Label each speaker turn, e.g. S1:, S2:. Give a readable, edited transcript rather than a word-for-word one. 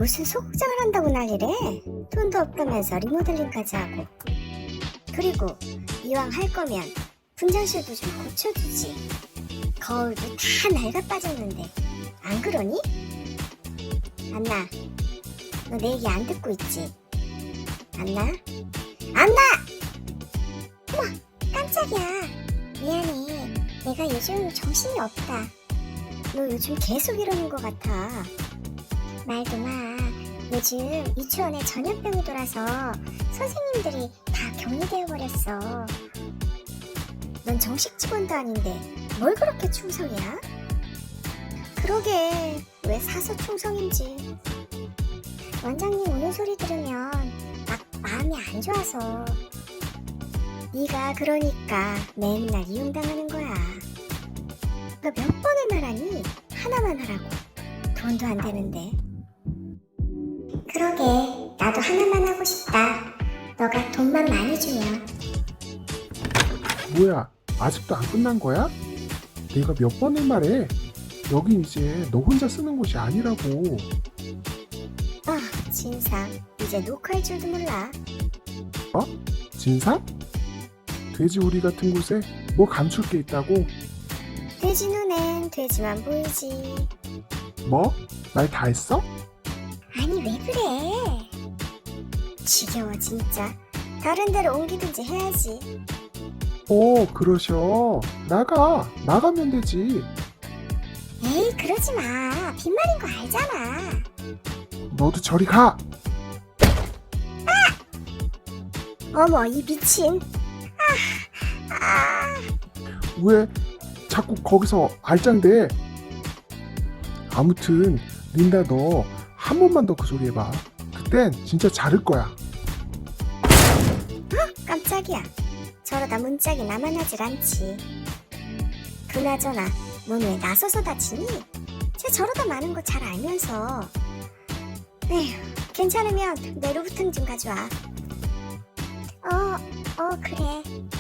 S1: 무슨 소극장을 한다고 난리래. 돈도 없다면서 리모델링까지 하고. 그리고 이왕 할 거면 분장실도 좀 고쳐주지. 거울도 다 낡아 빠졌는데 안 그러니? 안나, 너 내 얘기 안 듣고 있지? 안나? 안나! 어머, 깜짝이야. 미안해. 내가 요즘 정신이 없다. 너 요즘 계속 이러는 것 같아. 말도 마. 요즘 유치원에 전염병이 돌아서 선생님들이 다 격리되어 버렸어. 넌 정식 직원도 아닌데 뭘 그렇게 충성이야? 그러게, 왜 사서 충성인지. 원장님 오는 소리 들으면 막 마음이 안 좋아서. 네가 그러니까 맨날 이용당하는 거야. 너 몇 번을 말하니? 하나만 하라고. 돈도 안 되는데. 그러게, 나도 하나만 하고 싶다. 너가 돈만 많이 주면.
S2: 뭐야, 아직도 안 끝난 거야? 내가 몇 번을 말해. 여긴 이제 너 혼자 쓰는 곳이 아니라고.
S1: 아, 진상. 이제 녹화할 줄도 몰라.
S2: 진상? 돼지우리 같은 곳에 뭐 감출 게 있다고?
S1: 돼지 눈엔 돼지만 보이지.
S2: 뭐? 말 다 했어?
S1: 아니, 왜 그래? 지겨워 진짜. 다른 데로 옮기든지 해야지.
S2: 그러셔. 나가면 되지.
S1: 에이, 그러지 마. 빈말인 거 알잖아.
S2: 너도 저리 가.
S1: 어머, 이 미친.
S2: 왜 자꾸 거기서 알짱대? 아무튼 린다, 너 한 번만 더 그 소리 해봐. 그땐 진짜 자를 거야.
S1: 깜짝이야. 저러다 문짝이 나만 하질 않지. 그나저나 넌 왜 나서서 다치니? 쟤 저러다 마는 거 잘 알면서. 에휴, 괜찮으면 내 루브탕 좀 가져와. 그래.